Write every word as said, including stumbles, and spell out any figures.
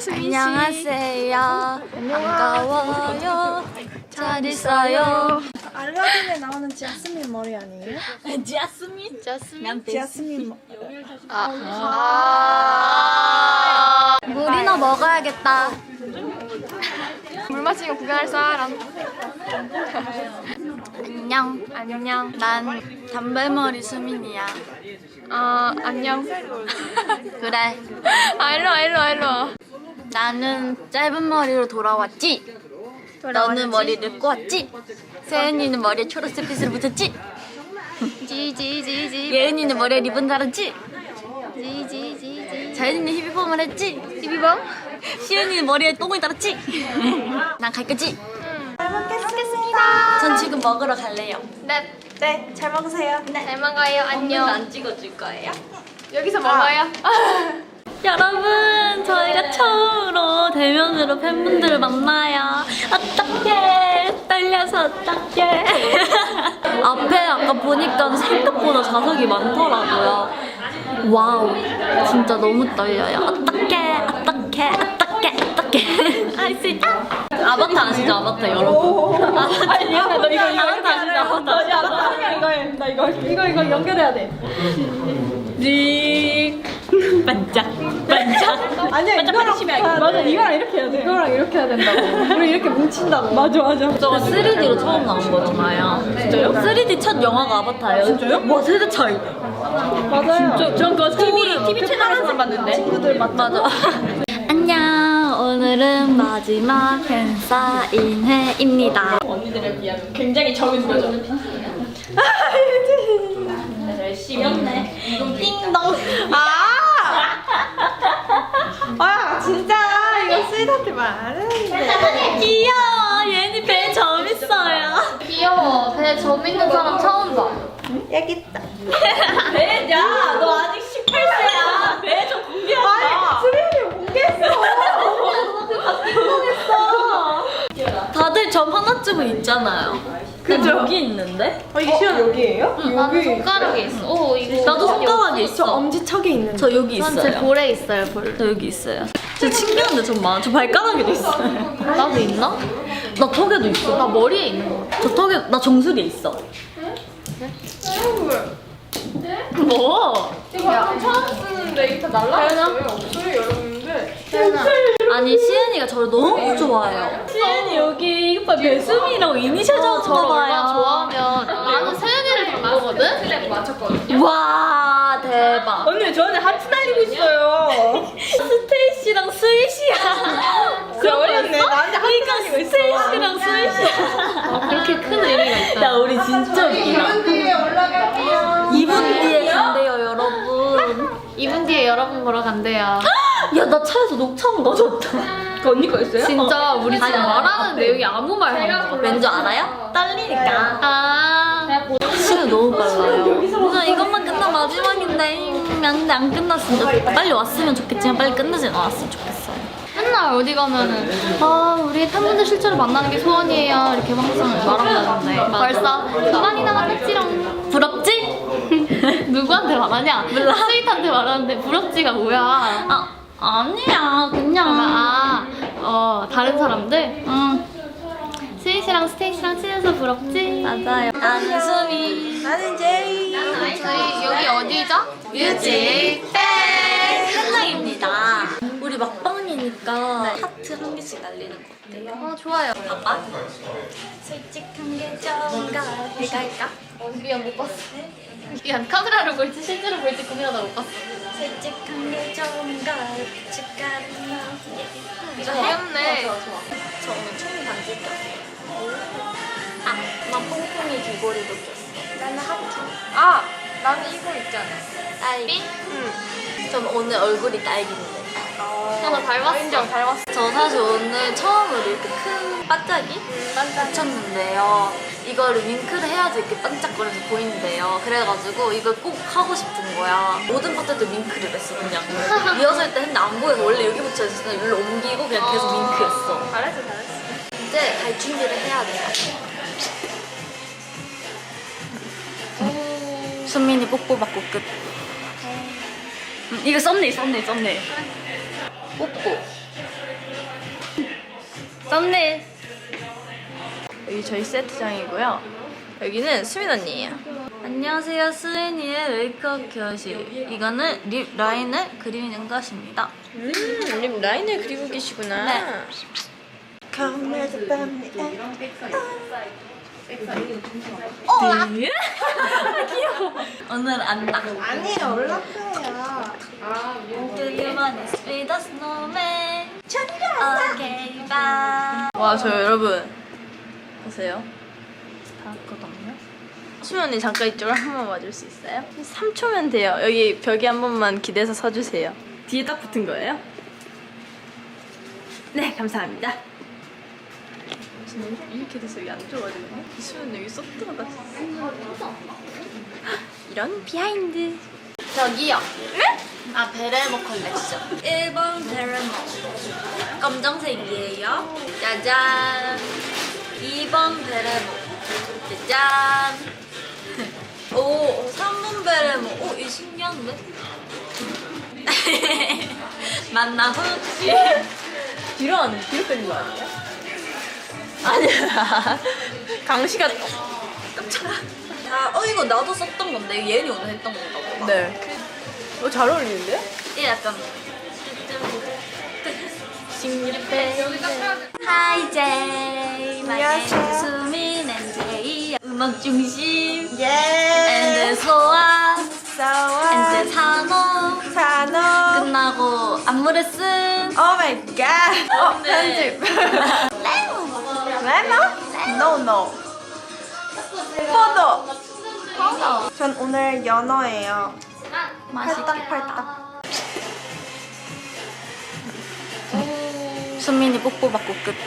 수민 씨. 안녕하세요. 반가워요. 잘 있어요. 알라딘에 나오는 지아스민 머리 아니에요? 지아스민? 자스민. 지아스민 머리. 아. 물이나 먹어야겠다. 물 마시고 구경할 사람. 안녕. 안녕. 난 단발머리 수민이야. 아 안녕. 그래. 아 일로 와 일로 와 일로 와. 나는 짧은 머리로 돌아왔지. 너는 머리를 꼬았지. 세은이는 머리에 초록색 빗을 붙였지. 지지지지. 예은이는 머리에 리본 달았지. 지지지지. 자연이는 히비펌을 했지. 비비범? 시은이는 머리에 똥을 달았지. 난 갈 거지. 잘 먹겠습니다. 전 지금 먹으러 갈래요. 네. 네, 잘 먹으세요. 잘 먹어요. 안녕. 안 찍어줄 거예요? 여기서 먹어요. 여러분, 저희가 처음으로 대면으로 팬분들을 만나요. 어떡해, 떨려서 어떡해. 앞에 아까 보니까 생각보다 좌석이 많더라고요. 와우, 진짜 너무 떨려요. 어떡해, 어떡해, 어떡해, 어떡해. 할 수 있다. 아바타 아시죠, 아바타 여러분? 아바타, 아니야, 너 이거 이거 아바타 아시죠, 아바타. 아니야, 나 이거 해. 나 이거 이거 이거 연결해야 돼. 릭 반짝 반짝. 아니야, 이거랑 반짝. 맞아, 이거랑 이렇게 해야 돼. 이거랑 이렇게 해야 된다고. 우리 이렇게 뭉친다고. 맞아, 맞아. 저가 쓰리디로 처음 나온 거잖아요. 진짜요? 쓰리디 첫 영화가 아바타예요. 진짜요? 와, 세대 차이. 맞아요. 저, 전 그거 티비, 티비 채널에서만 봤는데. 친구들 맞 맞아. 안녕. 오늘은 마지막 팬사인회입니다. 언니들에 비하면 굉장히 적은 거죠. 열심히 했네. 띵동. 아! 아, 진짜 이거 스윗한테 말하는데. 귀여워. 얘는 배 재밌어요. 귀여워. 배 점 있는 사람 처음 봐. 여기 있다. 배야, 너 아직 십팔 세야. 배 좀 공개하자. 아니, 수빈이 공개했어. 다들 점 하나쯤은 있잖아요. 그죠? 여기 있는데? 아, 이게 시원 여기예요? 나는 손가락에 있어. 오 이거. 나도 손가락에 저 있어. 엄지척에 있는. 저 여기 전제 있어요. 볼에 있어요 볼. 저 여기 있어요. 저 신기한데 좀 많아. 저 발가락에도 있어요. 나도 있나? 나 턱에도 있어. 나 머리에 있는 거. 저 턱에 나 정수리에 있어. 뭐? 이거 처음 쓰는데 이거 날라갔어요. 없어요 여러분들. 태연아. 아니 시은이가 저를 너무 좋아해요. 시은이 여기 이거 봐 배수미라고 이니셜 저를 적었나 얼마나 봐요. 좋아하면 나는 세연이를 닮았거든? 틀레 맞췄거든. 와 대박. 언니 왜 저한테 하트 날리고 있어요? 스테이시랑 스윗이야. 진짜 어렸네. 나한테 하트 이거 날리고 있어. 스테이시랑 스윗이야. 아, 그렇게 큰 의미가 있다. 야 우리 진짜 웃기다. 뒤에 올라갈게요. 이 분 뒤에 간대요 여러분. 이 분 뒤에 여러분 보러 간대요. 야 나 차에서 녹차만 가져왔다. 그 언니 거였어요? 진짜 우리 지금 아니야. 말하는 내용이 아무 말 하는 거. 왠지 알아요? 떨리니까. 아. 시간 너무 빨라요. 오늘 이것만 끝나 마지막인데 음, 안, 안 끝났으면 좋겠다. 빨리 왔으면 좋겠지만 빨리 끝나지 않았으면 좋겠어요. 맨날 어디 가면은 아 우리 팬분들 실제로 만나는 게 소원이에요 이렇게 항상 말하고 다녔는데 벌써 두 번이나 만났지롱. 부럽지? 누구한테 말하냐? 몰라. 스윗한테 말하는데 부럽지가 뭐야? 아 아니야 그냥. 아, 어 다른 사람들? 응 스윗이랑 스테이시랑 친해서 부럽지? 맞아요. 나는 수미. 나는 제이. 저희 여기 어디죠? 뮤직 뱅 현장입니다. 우리 막방이니까 하트 한 개씩 날리는 거 어때요? 어 좋아요. 봐봐. 솔직한 게 좋은가 해갈까? 어, 미안 못 봤어. 미안 카메라로 볼지 실제로 볼지 고민하다 못 봤어. 솔직한 게 좋은가 고춧가루나 이거 귀엽네. 저 오늘 총 반지 꼈어요. 아, 난 퐁퐁이 귀걸이도 꼈어. 나는 하트. 아 나는 이거 있잖아. 딸기? 응. 전 오늘 얼굴이 딸기인데. 하나 닮았어. 인정 닮았어. 저 사실 오늘 처음으로 이렇게 큰 반짝이 붙였는데요. 이거를 윙크를 해야지 이렇게 반짝거려서 보이는데요. 그래가지고 이걸 꼭 하고 싶은 거야. 모든 파트도 윙크를 했어 그냥. 리허설 때 했는데 안 보여서 원래 여기 붙여있었는데 여기로 옮기고 그냥 계속 윙크했어. 잘했어 잘했어. 이제 갈 준비를 해야 돼요. 순민이 뽀뽀 받고 끝. 음, 이거 썸네일 썸네일 썸네일. 뽀뽀. 썸네일. 여기 저희 세트장이고요. 여기는 수민 언니예요. 안녕하세요, 수인이의 메이크업 교실. 이거는 립 라인을 그리는 것입니다. 음, 립 라인을 그리고 계시구나. 네. 오늘 안 나. 아니에요, 올라가요. Do you wanna be the snowman? 오케이, 바. 와, 저 여러분 보세요. 다 왔거든요. 수민 언니 잠깐 이쪽으로 한 번 와줄 수 있어요? 삼 초면 돼요. 여기 벽에 한 번만 기대서 서주세요. 뒤에 딱 붙은 거예요? 네, 감사합니다. 지금 이렇게 돼서 여기 안 좋아지네. 수민 여기 쏙 들어갔어. 이런 비하인드. 저기요. 네? 아, 베레모 컬렉션. 일 번 베레모. 검정색이에요. 짜잔. 이 번 베레모. 짜잔. 오, 삼 번 베레모. 오, 이 신기한데? 맞나 혹시? 뒤로 안 뒤로 빼는 거 아니에요? 아니야. 강시가 깜짝아. 아, 어, 이거 나도 썼던 건데. 예은이 오늘 했던 건가 보다. 네. 어, 잘 어울리는데? 이 약간. 하이 제이. 안녕하세요. 수민 앤 제이. 음악 중심. 예. 앤드 소아. 싸워. 앤드 산호. 산호. 끝나고 안무 레슨. 오 마이 갓. 어, 네. 편집. 레몬? No, no. 포도. 포도. 전 오늘 연어예요. 맛있겠다. 팔딱팔딱. 수민이 뽀뽀 받고 끝.